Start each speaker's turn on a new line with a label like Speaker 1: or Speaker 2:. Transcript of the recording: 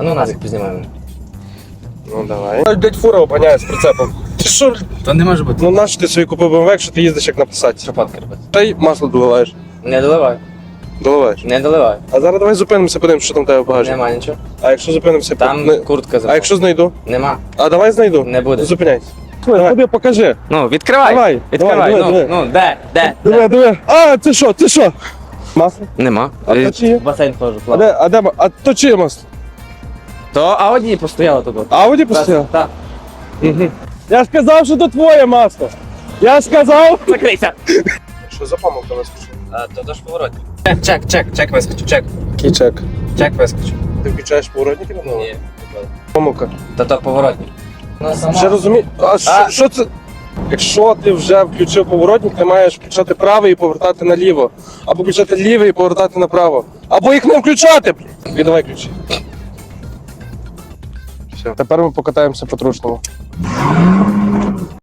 Speaker 1: А ну назик познімаємо.
Speaker 2: Ну давай. Дядь фура обганяє з прицепом. Ти що?
Speaker 1: То не може бути.
Speaker 2: Ну нащо ти собі купив BMW, якщо ти їздиш як на Passat?
Speaker 1: Що фотки робити?
Speaker 2: Та й масло доливаєш.
Speaker 1: Не доливай.
Speaker 2: Доливаєш.
Speaker 1: Не доливай.
Speaker 2: А зараз давай зупинимося, подивимося, що там в тебе в багажі.
Speaker 1: Нема нічого.
Speaker 2: А якщо зупинимося,
Speaker 1: Там куртка
Speaker 2: А якщо знайду?
Speaker 1: Нема.
Speaker 2: А давай знайду.
Speaker 1: Не буде.
Speaker 2: Зупиняйся. Тобі покажи.
Speaker 1: Ну, відкривай.
Speaker 2: Давай,
Speaker 1: Відкривай.
Speaker 2: давай, диви.
Speaker 1: Ну, де?
Speaker 2: Диви. А, це що? Це що? Масло?
Speaker 1: Нема.
Speaker 2: А то чиє?
Speaker 1: Басейн теж
Speaker 2: А то чиє масло?
Speaker 1: То Ауді постояло тут.
Speaker 2: Ауді постійно?
Speaker 1: Так.
Speaker 2: Я сказав, що то твоє масло. Я сказав.
Speaker 1: Закрийся.
Speaker 2: Що за помилка вискочила?
Speaker 1: То ж поворотник. Чек вискочу, чек.
Speaker 2: Який чек?
Speaker 1: Чек вискочу.
Speaker 2: Ти включаєш поворотники на
Speaker 1: Ні.
Speaker 2: Помилка.
Speaker 1: То поворотник.
Speaker 2: Вже розумію. Що це? Якщо ти вже включив поворотник, ти маєш включати правий і повертати наліво. Або включати лівий і повертати направо. Або їх не включати! Віддавай ключі. Все. Тепер ми покатаємося по трушному.